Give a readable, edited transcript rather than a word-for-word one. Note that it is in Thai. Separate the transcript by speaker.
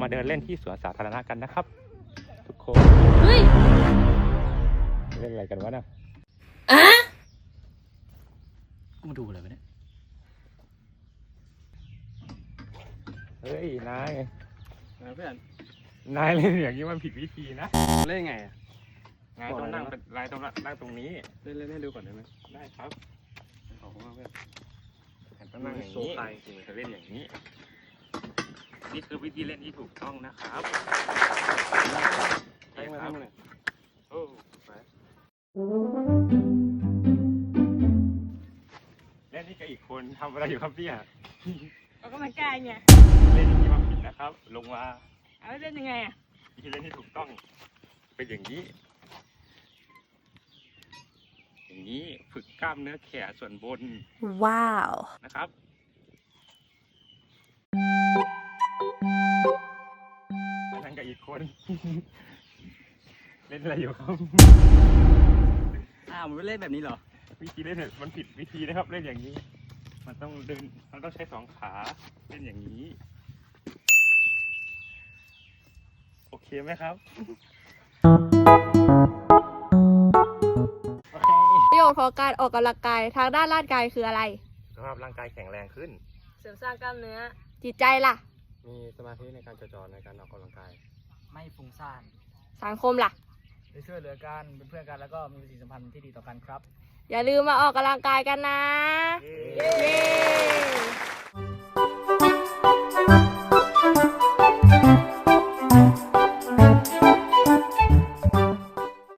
Speaker 1: มาเดินเล่นที่สวนสาธารณะกันนะครับทุกคน
Speaker 2: เฮ้ย
Speaker 1: เล่นอะไรกันวะเนี่ย
Speaker 3: กูมาดูอะไรวะเนี่ย
Speaker 1: เฮ้ยนาย
Speaker 3: เพื่อน
Speaker 1: นายเล่นอย่างนี้มันผิดวิธีนะ
Speaker 3: เล่นไงอ่ะ
Speaker 1: นายต้องนั่งเป็นนายต้องนั่งตรงนี้
Speaker 3: เล่นให้ดูก่อนได้ไหม
Speaker 1: ได้ครับ
Speaker 3: ขอบคุณมากเพื่อน
Speaker 1: ต้องนั่งอย่างนี้
Speaker 3: โซไต
Speaker 1: จะเล่นอย่างนี้ นี่คือวิธีเล่นที่ถูกต้องนะครับ
Speaker 3: ให้มาทำอะไร
Speaker 1: โอ้ไปเล่นนี่กับอีกคนทำอะไรอยู่ครับเนี่ย
Speaker 2: ออกกำลังกายไง
Speaker 1: เล่นอย่างนี้มันผิดนะครับ ลงมา
Speaker 2: เอาเล่นยังไงอ่ะ
Speaker 1: วิธีเล่นที่ถูกต้อง เป็นอย่างนี้ อย่างนี้ฝึกกล้ามเนื้อแขนส่วนบน
Speaker 2: ว้าว
Speaker 1: นะครับ นั่งกับอีกคน เล่นอะไรอยู่ครับ
Speaker 3: อ้าวมันไม่เล่นแบบนี้เหรอ
Speaker 1: วิธีเล่นเนี่ยมันผิดวิธีนะครับ เล่นอย่างนี้ มันต้องเดิน มันต้องใช้สองขาเล่นอย่างนี้ โอเคไหมครับ
Speaker 2: ประโยชน์ของการออกกำลังกายทางด้านร่างกายคืออะไร
Speaker 1: สำหรับร่างกายแข็งแรงขึ้น
Speaker 2: เสริมสร้างกล้ามเนื้อ จิตใจล่ะ
Speaker 3: มีสมาธิในการจดจ่อในการออกกำลังกาย
Speaker 4: ไม่ฟุ้งซ่าน
Speaker 2: สังคมล่ะ
Speaker 4: ได้ช่วยเหลือกันเป็นเพื่อนกันแล้วก็มีปฏิสัมพันธ์ที่ดีต่อกันครับ
Speaker 2: อย่าลืมมาออกกำลังกายกันนะ
Speaker 1: เย้
Speaker 2: เย้